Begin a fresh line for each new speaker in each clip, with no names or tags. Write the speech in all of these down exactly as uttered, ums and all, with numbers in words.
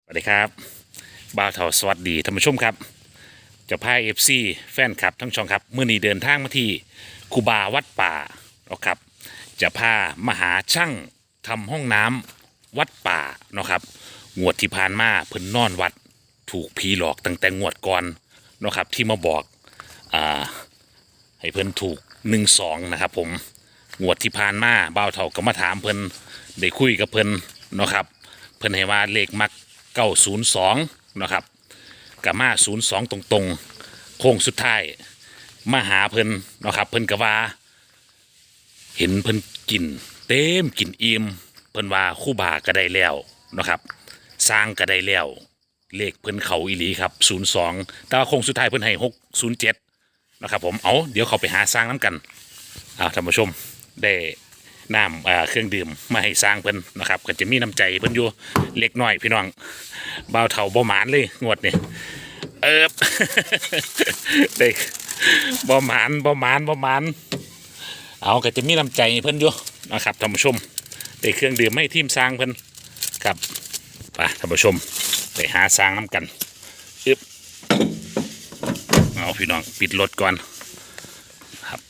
สวัสดีครับบ่าวเถาสวัสดีท่านผู้ชมครับเจ้าพายเอฟซีแฟนคลับทั้งช่องครับเมื่อนี้เดินทางมาที่คูบาวัดป่าเนาะครับจะพามาหาช่างทำห้องน้ำวัดป่าเนาะครับงวดที่ผ่านมาเพิ่นนอนวัดถูกผีหลอกตั้งแต่งวดก่อนเนาะครับที่มาบอกอ่าให้เพิ่นถูกหนึ่งสองนะครับผมงวดที่ผ่านมาบ่าวเถาก็มาถามเพิ่นได้คุยกับเพิ่นเนาะครับเพิ่นให้ว่าเลขมักเก้าศูนย์สองนะครับกับมาศูนย์สองตรงๆโค้งสุดท้ายมาหาเพิ่นนะครับเพิ่นกะว่าเห็นเพิ่นกินเต็มกินอิ่มเพิ่นว่าคู่บาก็ได้แล้วนะครับสร้างก็ได้แล้วเลขเพิ่นเขาอีหลีครับศูนย์สองแต่ว่าโค้งสุดท้ายเพิ่นให้หกศูนย์เจ็ดนะครับผมเอาเดี๋ยวเขาไปหาสร้างน้ำกันอ่าท่านผู้ชมได้น้ำอ่าเครื่องดื่มมาให้สร้างเพิ่นนะครับก็จะมีน้ำใจเพิ่นอยู่เล็กน้อยพี่น้องบ่าวเฒ่าบ่หมานเลยงวดนี่เอิบ เด็กบ่หมานบ่หมานบ่หมานเอาก็จะมีน้ำใจเพิ่นอยู่นะครับท่านผู้ชมได้เครื่องดื่มให้ทีมสร้างเพิ่นครับไปท่านผู้ชมไปหาสร้างน้ำกันอึบเอาพี่น้องปิดรถก่อนครับ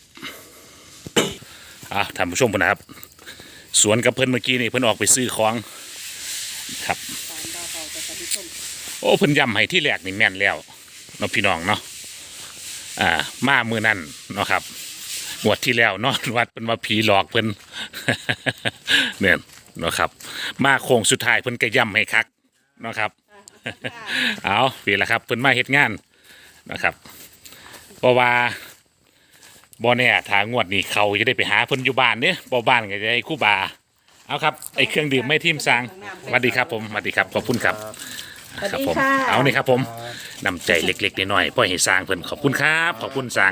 อ่าท่านผู้ชมเพิ่นนะครับสวนกับเพิ่นเมื่อกี้นี่เพิ่นออกไปซื้อของครับโอ้เพิ่นย้ำให้ที่แรกนี่แม่นแล้วเนาะพี่น้องเนาะอ่ามามือนั่นเนาะครับงวดที่แล้วนอนวัดเป็นว่าผีหลอกเพิ่น เนี่ยเนาะครับมาโค้งสุดท้ายเพิ่นก็ย้ำให้คักเนาะครับเอาปีละครับเพิ่นมาเฮ็ดงานนะครับเพราะว่าบ่เนี่ยทางงวดนี้เขาจะได้ไปหาเพิ่นอยู่บ้านเนี่ยบ่บ้านก็จะได้คู่บาเอาครับไอ้เครื่องดื่มไม่ทิ่มซางสวัสดีครับผมสวัสดีครับขอบคุณครับครับผมเอานี่ครับผมนำใจเล็กๆน้อยๆปล่อยให้สร้างเพิ่นขอบคุณครับขอบคุณสร้าง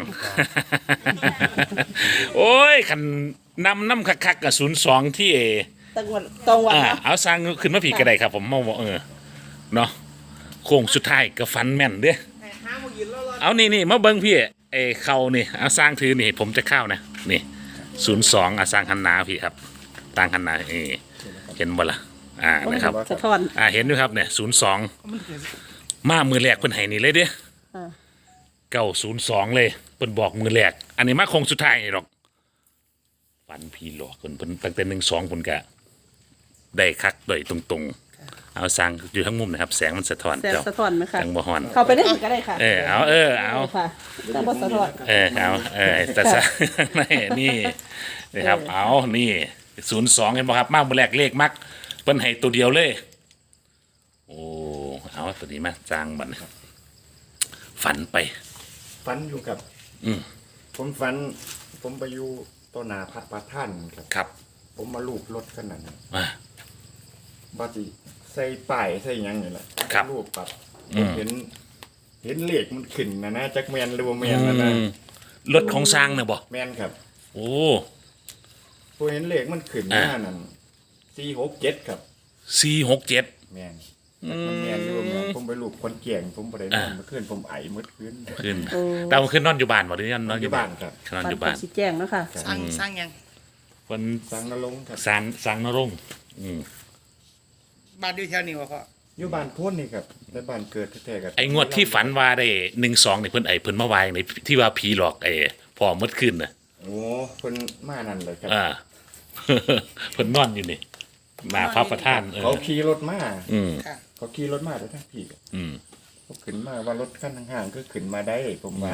โอ้ยคันนำน้ำคักๆกับศูนย์สองที่เอ
ตังวันตรงวัน
อ่า
เนาะ
เอาสร้างขึ้นมาผีกระไดครับผมมองว่าเออเนาะโค้งสุดท้ายก็ฟันแม่นเด้เอานี่นี่มาเบิ้งพี่เอเขานี่เอาสร้างถือนี่ผมจะเข้านะนี่ศูนย์สองอาสร้างหันหนาพี่ครับต่างหันหนาเอเห็นบ่ล่ะอ่านะครับ
สะท้อน
อ่าเห็นด้วยครับเนี่ยศูนย์สองมามือแรกเพิ่นให้นี่เลยเด้
อ่า
เก้าศูนย์สองเลยเพิ่นบอกมือแรกอันนี้มาโค้งสุดท้ายนี่หรอกฟันพี่หลอกเพิ่นเพิ่นตั้งแต่หนึ่งสองเพิ่นกะได้คักโดยตรงๆเอาสร้างอยู่ทั้งมุมนะครับแสงมันสะท้อน
แสง
เจ้า
สะท้อนไหมคะ
จังบ่ฮ้อน
เข้าไปได้ก็ได้ค่ะ
เออเอาเออเอา
ค่ะแต่บ่สะท้อน
เออเอาเออแต่ซะ นี่นี่นะครับเอานี่ศูนย์สองเห็นบ่ครับมามือแรกเลขมักเพิ่นให้ตัวเดียวเลยโอ้เอาตัวนี้มาสร้างบัดนี้ฝันไป
ฝันอยู่กับ
อืม
ผมฝัน ผมไปอยู่ต้นนาพัดปลาท่านครับ
ครับ
ผมมาลูบรถขนาดนั้น
อ่า
บาจิใส่ป้ายใส่หยังนี่แหละ
ครับ
ลูบปับ
อื
ผม มเห็น เห็นเลขมันขึ้นนะนะจักแมนหรือว่าแมนนะนะ
อืมรถของสร้างเนี่ยบ่
แมนครับ
โอ้
ผมเห็นเลขมันขึ้นห
อ่า
น้านั่นสี่หกเจ็ดครับ
สี่หกเจ็ด
แมนจักมันแมนหรือว่าแมนผมไปลูบคนเกี่ยง ผมไปได้นอน
อ่า
เมื่อคืนผมไอเมื่อคืน
ขึ้นแต่มันขึ้นนอนอยู่บ้านบ่หรือนอนอยู่บ้าน
ครับ
นอน
ปั
อน ยู่บ้าน
สีแจ้งเนาะค่ะ
สร้างสร้างยัง
เพิ่น
สังนรงค์ครับ
สร้างสร้างนรงค์อืม
บ้านด้วยแถวนี้วะพ่อ
อยู่บ้านพ้นนี่ครับในบ้านเกิดแท้ๆกัน
ไอ้งวดที่ฝันว่าได้หนึ่งสองนี่เพิ่นไอ้เพิ่นมาวายในที่ว่าผีหลอกไอ้พ่อมดขึ้นน่ะ
โอ้คนมานั่นเลยครับ
อ่า เพิ่นนอนอยู่นี่มาพระประธานเออ
เขาขี่รถมา
อืม
ค่ะ
เขาขี่รถมาแต่ทั้งพี่
อืม
เขาขึ้นมาว่ารถขั้นห่างๆก็ขึ้นมาได้ผมว่า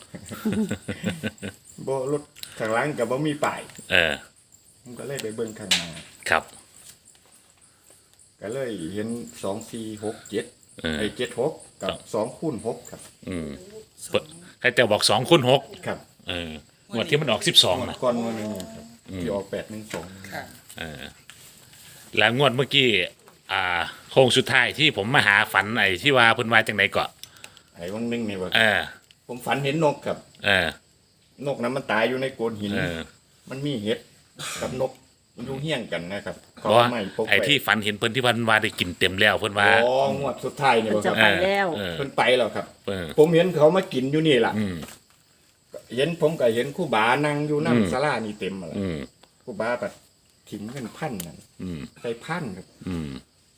บ่รถข้างหล่างกับบ่มีป้าย
เออ
ผมก็เลยไปเบิ่งข้างหน้า
ครับ
ก็เลยเห็นสองสี่หกเจ็ด
เออ
ไอ้เจ็ดหกกับสองคูณหกครับ
อืมเพิ่นใครแต่บอกสองคูณหก
ครับ
เอองวดที่มันออกสิบสองนะ
ก่อนวันหนึงครับที่ออกแปดหนึ่งสอง
ค่ะ
เออแล้วงวดเมื่อกี้อ่าโค้งสุดท้ายที่ผมมาหาฝันไอ้ที่ว่าเพิ่นว่าจังไดเกาะ
ไอ้วันหนึงนี่ว่า
เออ
ผมฝันเห็นนกครับ
เออ
นกนั้นมันตายอยู่ในโกนหิน
เออ
มันมีเห็ดกับนกอยู่เฮี้ยงกันนะครับ
เพราะว่า
ไม่ปก
ไอ้ที่ฝันเห็นเพิ่นที่วันว่าได้กินเต็มแล้วเพิ่นว่า
อ๋องวดสุดท้ายนี่
เพิ่น
บ่ค
จะ
รับ
ไปแล้ว
เออ
เพิ่นไปแล้วครับ
เออ
ผมเห็นเขามากินอยู่นี่ล่ะ
อืม
เห็นผมก็เห็นครู่บานั่งอยู่
อืม
น้ำศาลานี่เต็มแล้ว
อืม
ครู่บาแบบถิ่มเงินพันนั่น
อืม
ใส่พันครับ
อืม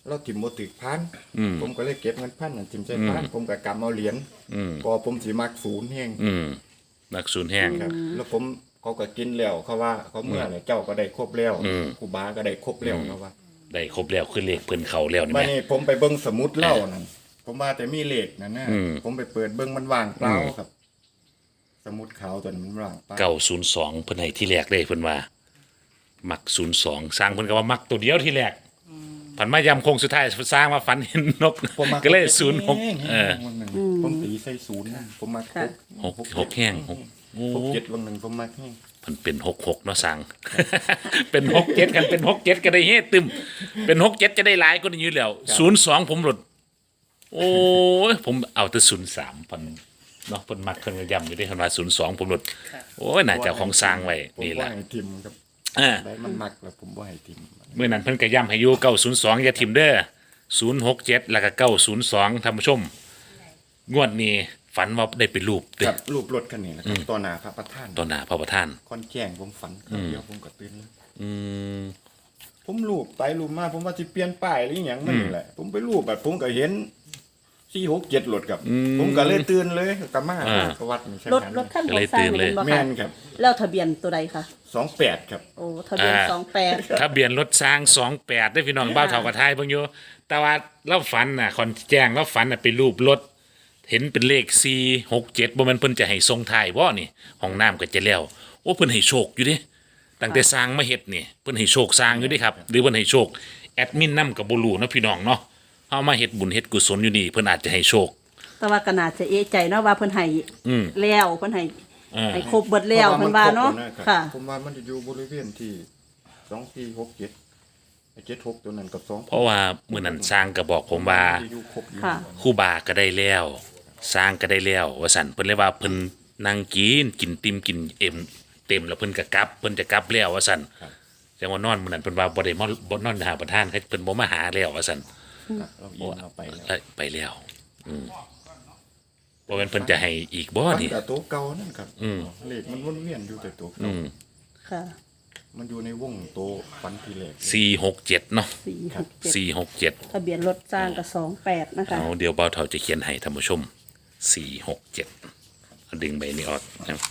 เราถิ่มบ่ตึกพัน
อืม
ผมก็เลยเก็บเงินพันนั่นถิ่มใส่พันผมก็กำเอาเหรียญ
อืม
พอผมสิมักศูนย์แห้ง
อืมนักศูนย์แห้ง
ครับ แล้วผมเขาก็กินแล้วเขาว่าเขาเมื่อไหร่เจ้าก็ได้ครบแล้ว
อืม
ครูบาก็ได้ครบแล้วเขาว่า
ได้ครบแล้วคือเลขเพิ่นเขาแล้วนี่
บัด
แม่
นี้ผมไปเบิ่งสมุดเล่านั่นผมว่าแต่มีเลขนั่นนะ
อืม
ผมไปเปิดเบิ่งมันว่างเปล่า
อืม
ครับ สมุดขาวตัวนั้นมันว่างเปล่า
เก้าศูนย์สองเพิ่นให้ที่แรกเลยเพิ่นว่า มักศูนย์สองสร้างเพิ่นก็ว่ามักตัวเดียวที่แรกผันมายำโคงสุดท้ายสร้างมาฝันเห็นนก
ผมมั
ก็เลยศูนย์หกเออ
วันหนึ่งผมตีใส่ศูนย์นะผมมัก
ค่ะ
หกหกแห้งหกโอ้
หกเจ็ดวันหนึ่งผมมักแห้ง
มันเป็นหกหกเนาะสร้าง เป็นหกเจ็ดกันเป็นหกเจ็ดก็ได้เฮ็ดตึมเป็นหกเจ็ดจะได้หลายก็ได้อยู่แล้วศูนย์สองผมหลุด โอ้ยผมเอาแต่ศูนย์สามพันเนาะเพิ่นมักเพิ่นก็ย้ำอยู่ได้เพิ่นว่าศูนย์สองผมหลุดโอ้ยน่าจะเอาของสร้างไว้
ผม
นี่
ว่า
ล่ะ
ให้ทิมครับ
อ่า
ได้มันมักแล้วผมว่าให้ทิม
เมื่อนั้นเพิ่นก็ย้ำให้อยู่เก้าศูนย์สองอย่าทิมเด้อศูนย์หกเจ็ดแล้วก็เก้าศูนย์สองท่านผู้ชม งวดนี้ฝันว่าได้ไปรูปเด้
กับรูปรถคันนี้แหละครับต่อหน้าพระประธาน
ต่อหน้าพระประธาน
คอนแจ้งผมฝันครั้งเดียวผมก็ตื่นแล้ว
อืม
ผมรูปไปรูปมาผมว่าสิเปลี่ยนป้ายหรืออหย่างมันนี่แหละ ผมไปรูปแบบผมก็เห็นสี่หกเจ็ดรถครับ ผมก็เลยตื่นเลยกับมาประวัตินี่ใช่
ร
ไห
ถ
ม
รถขั้นของสร้างเป็นบ่
แม่
ค่ะ
นครับ
แล้วทะเบียนตัวใดคะ
สองแปดครับ
โอ้ทะเบียนสองแปด
ทะเบียนรถสร้างสองแปดได้อพี่น้องบ้าวเท่ากระทายเบิ่งอยู่แต่ว่าเราฝันน่ะคอนแจ้งเราฝันน่ะไปรูปรถ เห็นเป็นเลขสี่หกเจ็ดบ่แม่นเพิ่นจะให้ทรงท้ายบ่นี่ห้องน้ำก็จะแล้วโอ้เพิ่นให้โชคอยู่เด้ตั้งแต่สร้างมาเฮ็ดนี่เพิ่นให้โชคสร้างอยู่เด้ครับหรือเพิ่นให้โชคแอดมินนำก็บ่รู้เนาะพี่น้องเนาะเฮามาเฮ็ดบุญเฮ็ดกุศลอยู่นี่เพิ่นอาจจะให้โชค
แต่ว่าก็น่าจะเอะใจเนาะว่าเพิ่นให้
อืม
แล้วเพิ่นให้
เออ
ให้ครบเบิดแล้วเพิ่นว่าเนาะ
พรว่มัรบ
ค่ะ
ผมว่ามันจะอยู่บริเวณที่สองสี่หกเจ็ดไอ้เจ็ดหกตัวนั้นกับสอง
เพราะว่ามื้อนั้นสร้างก็บอกผมว่า
ที่อยู่ครบอยู่
ค่ะ
ครูบาก็ได้แล้ว สร้างก็ได้แล้วว่าซั่นเพิ่นเลยว่าเพิ่นนั่งกินกินติ่มกินเอ็มเต็มแล้วเพิ่นก็กลับเพิ่นจะกลับแล้วว่าซั่นจังว่านอนมื้อนั้นเพิ่นว่าบ่ได้มาบ่นอนหาประธานเขาเพิ่นบ่มาหาแล้วว่าซั่น
ครับเราอินเราไปแล้ว
เอ้ยไปแล้ว อืมบ่แม่นเพิ่นจะให้อีกบ่
มัน
นี่
แต่ตัวเก่านั่นครับ
อืม
เลขมันวนเวียนอยู่แต่ตัว
อื
เก่าม
ค่ะ
มันอยู่ในวงตัวฟันทีเลข
สี่หกเจ็ดเนาะ
สี่หกเจ็ด
สี่หกเจ็ด
ทะเบียนรถสร้างกับสองแปดนะคะ
เอาเดี๋ยวเบาเท่าจะเขียนให้ท่านผู้ชมสี่หกเจ็ดดึงใบนี้ออกนะครับ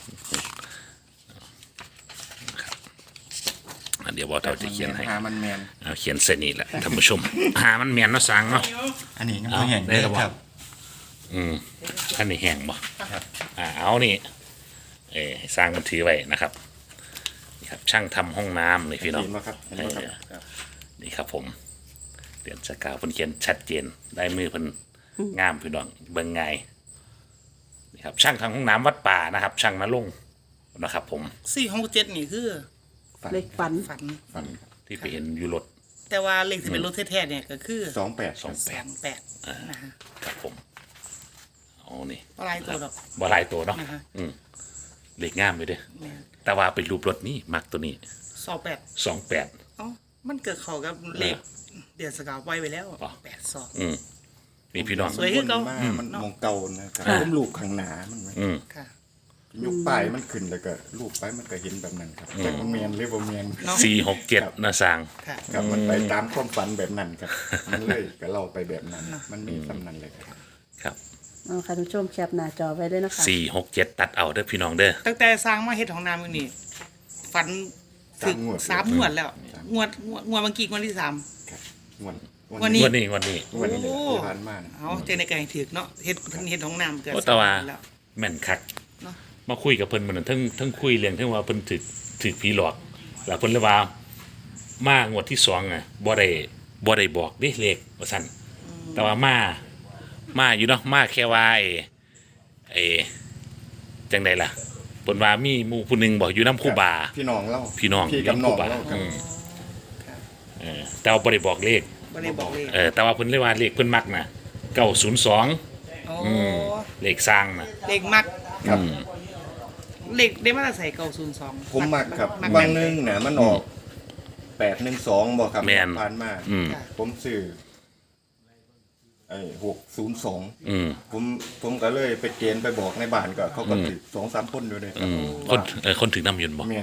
อ่ะเดี๋ยวเบาเท่าจะเขียนให้
หามันแมน
เอาเขียนเส้นนี้แหละท่านผู้ชม หามันแม่นเนาะสังเนาะ
อันนี้ยัง
เอา
ไม่เห็น
ได้ครับ
ครับ
อืมอันนี้แห้งบ่
ครับ
อ่าเอานี่เออให้สร้างมันถือไว้นะครับนี่ครับ ช่างทำห้องน้ำนี่พี่น้อง
เห็นไหมครับเห็นไหมครับครับ
นี่ครับผมเดือนสกาวเพิ่นเขียนชัดเจนได้มือเพิ่นงามพี่น้องเบิ่งไงายนี่ครับ ช่างทางห้องน้ำวัดป่านะครับ ช่างนรงค์นะครับ ผม
สี่หกเจ็ดนี่คือ
ฝัน
เลขฝัน
ฝัน
ฝัน
ที่ไปเห็นอยู่รถ
แต่ว่าเลขที่เป็นรถแท้ๆเนี่ยก็คือ
สองแปด
สอง
สองแปดนะฮะ
ครับผมเอานี่
อะไรตัวดอก
บ่หลายตัวเนาะ
นะฮะ
อืมเลขงามเลยเด้อ
เนี่ย
แต่ว่าเป็นรูปรถนี่มักตัวนี้
สองแปด
สองแปด
เอ้ามันเกิดเข้ากับเลขเดือนสกาวไว้ไปแล้ว
อ๋อ
แปดสอง
อืมนี่พี่น้อง
สวย คือเก่า
มามันมองเก่านะครับ
ค่ะ
ผมลูกข้างหนามันไหม
อืม
ค่ะ
ยุคป้ายมันขึ้นแล้วก็ลูกไปมันก็เห็นแบบนั้นครับแต่มันเมียนหรือบ่เมียน
เนาะ
สี่หกเจ็ดนะสร้าง
ค่ะ
ครับมันไปตามความฝันแบบนั้นครับ มันเลยก็เล่าไปแบบนั้น มันมีสำนันเลยครับ
ครับ
เอาค่ะท่านผู้ชมแคปหน้าจอไว้ด้วยนะคะ
สี่หกเจ็ดตัดเอาเด้อพี่น้องเด้อ
ตั้งแต่สร้างมาเฮ็ดของน้ำอยู่นี่ฝันถึงสามงวดแล้ว งวดงวดงวดเมื่อกี้งวดที่สาม
ครับวัน
วันนี้
วันนี้วันนี้
วันนี้
โอ้
ที่ผ่านมานะ
เอาเจอในไก่ถือกเนาะเฮ็ดเพิ่นเฮ็ดของน้ำเกิด
โอ้แต่ว่า
สมปีแล้ว
แม่นคัก
เนาะ
มาคุยกับเพิ่นเหมือนทั้งทั้งคุยเรื่องทั้งว่าเพิ่นถึกถึกผีหลอกแล้วเพิ่นเลยว่ามางวดที่สองอ่ะบ่ได้บ่ได้บอกเด้เลขว่าซั่นแต่ว่ามามาอยู่เนาะมาแค่ว่าไอ้ไอ้จังไดล่ะเพิ่นว่ามีหมู่ผู้หนึงบอกอยู่นำครูบา
พี่น้องเล่า
พี่น้อง
พี่กับน้อง
ครูบา
เล่าครับ
อืมเออแต่ว่าบ่ได้บอกเลข
บ่ได้บอกเลข
เออแต่ว่าเพิ่นเลยว่าเลขเพิ่นมักน่ะเก้าศูนย์สอง
โอ้
เลขสร้างน่ะ
เลขมัก
ครับ
เลขได้มาแต่ใส่เก้าศูนย์สอง
ผมมักครับ
มัก
บางนึงน่ะมันออกแปดหนึ่งสองบอกครับ
แม่น
ผ่านมา
อืม
ผมซื้อไอ้หกศูนย์สอง
อืม
ผมผมก็เลยไปเกณฑ์ไปบอกในบ้านก็เขาก็ติดสองสามคนอยู่เลยครั
อื
บ
มคนเออคนถึงน้ำยนต์บ่
เมียนครับ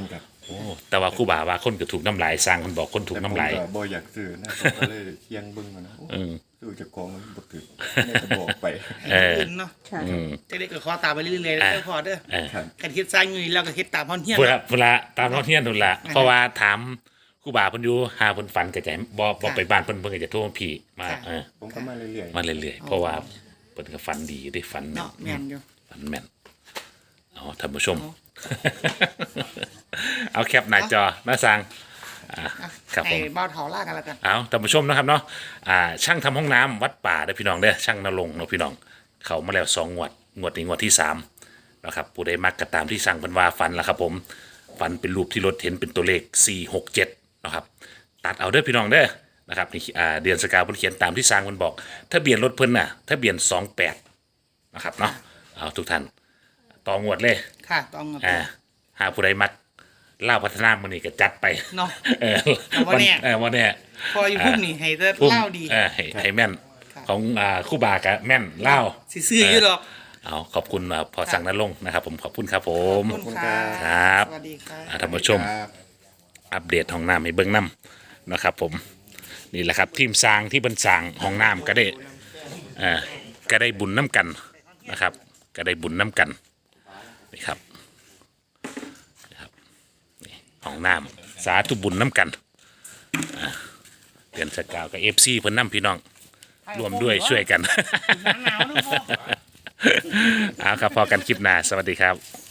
โอ้แต่ว่าครูบาว่าคนก็ถูกน้ำลายสร้างคนบอกคนถูกน้ำลาย
แต่ผมก็บ่อยากซื้อนะผมก็เลยเคียงเบิ่งอะนะโอ้
อืม
ซื้อจากกองมันบ่ถึกแม่ก็บอกไป
เออ
อื่นเนาะ
ค่ะ
อืม
จะได้ก็ขอตามไปเรื่อยๆแล้วพอเด้อ
เออ
ครับ
กันเฮ็ดสร้างอยู่นี่แล้วก็เฮ็ดตามพอนเฮียน
เวลาเวลาตามท้องเที่ยนนู่นละเพราะว่าถามครูบาเพิ่นอยู่หาเพิ่นฝันก็จะบ่บ่ไปบ้านเพิ่นเพิ่นก็จะโทรมาพี่มาเออ
ผมก็มาเรื่อย
มาเรื่อยๆเพราะว่าเพิ่นก็ฝันดีได้ฝันแม่น
เนาะแม่นอยู่
ฝันแม่นเอาท่านผู้ชม เอาแคปหน้าจอหน้าสั่งอ่า
อ่ะ
ครับผ
ให้
ม
เบ้าเถาล่ากันแล้วกัน
เอาท่านผู้ชมนะครับเนาะอ่าช่างทำห้องน้ำวัดป่าเด้อพี่น้องเด้อช่างนรงค์เนาะพี่น้องเขามาแล้วสองงวดงวดนี้งวดที่สามนะครับผู้ใดมักก็ตามที่สั่งเพิ่นว่าฝันละครับผมฝันเป็นรูปที่รถเห็นเป็นตัวเลขสี่หกเจ็ดนะครับตัดเอาเด้อพี่น้องเด้อนะครับนี่อ่าเดือนสกาวเพิ่นเขียนตามที่สั่งเพิ่นบอกทะเบียนรถเพิ่นน่ะทะเบียนสองแปดนะครับเนาะเอาทุกท่านต่องวดเลย
ค่ะต้องเอา
อ่าหาผู้ใดมักเล่าวพัฒนามื้อนี้ก็จัดไป
เนาะ
เออ
แต่ว่าแน่
เออว่าแน่
พออยู่พุ่มนี่ให้แต่
พุ่ม
เล่าดี
เออให้ให้แม่น
ครับ
ของอ่าคู่บากะแม่นเล่าว
สิซื้ออยู่ดอก
เอาขอบคุณอ่าพอสั่งนั้นลงค์นะครับผมขอบคุณครับผม
ขอบคุณค่ะ
ครับ
สวัสดีค่ะ
อ่าท่านผู้ชม
ครับ
อัปเดตห้องน้ำให้เบิ้งน้ำนะครับผมนี่แหละครับทีมสร้างที่บรรสร้างห้องน้ำก็ได้เอ่อก็ได้บุญน้ำกันนะครับ ก็ได้บุญน้ำกันนี่ครับนี่ครับนี่ห้องน้ำสาธุบุญน้ำกันอ่าเดือนสกาวกับเอฟซีเพิ่นน้ำพี่น้องรวมด้วยช่วยกัน
หนาวๆนะพ่อ
เอาครับพอกันคลิปหน้าสวัสดีครับ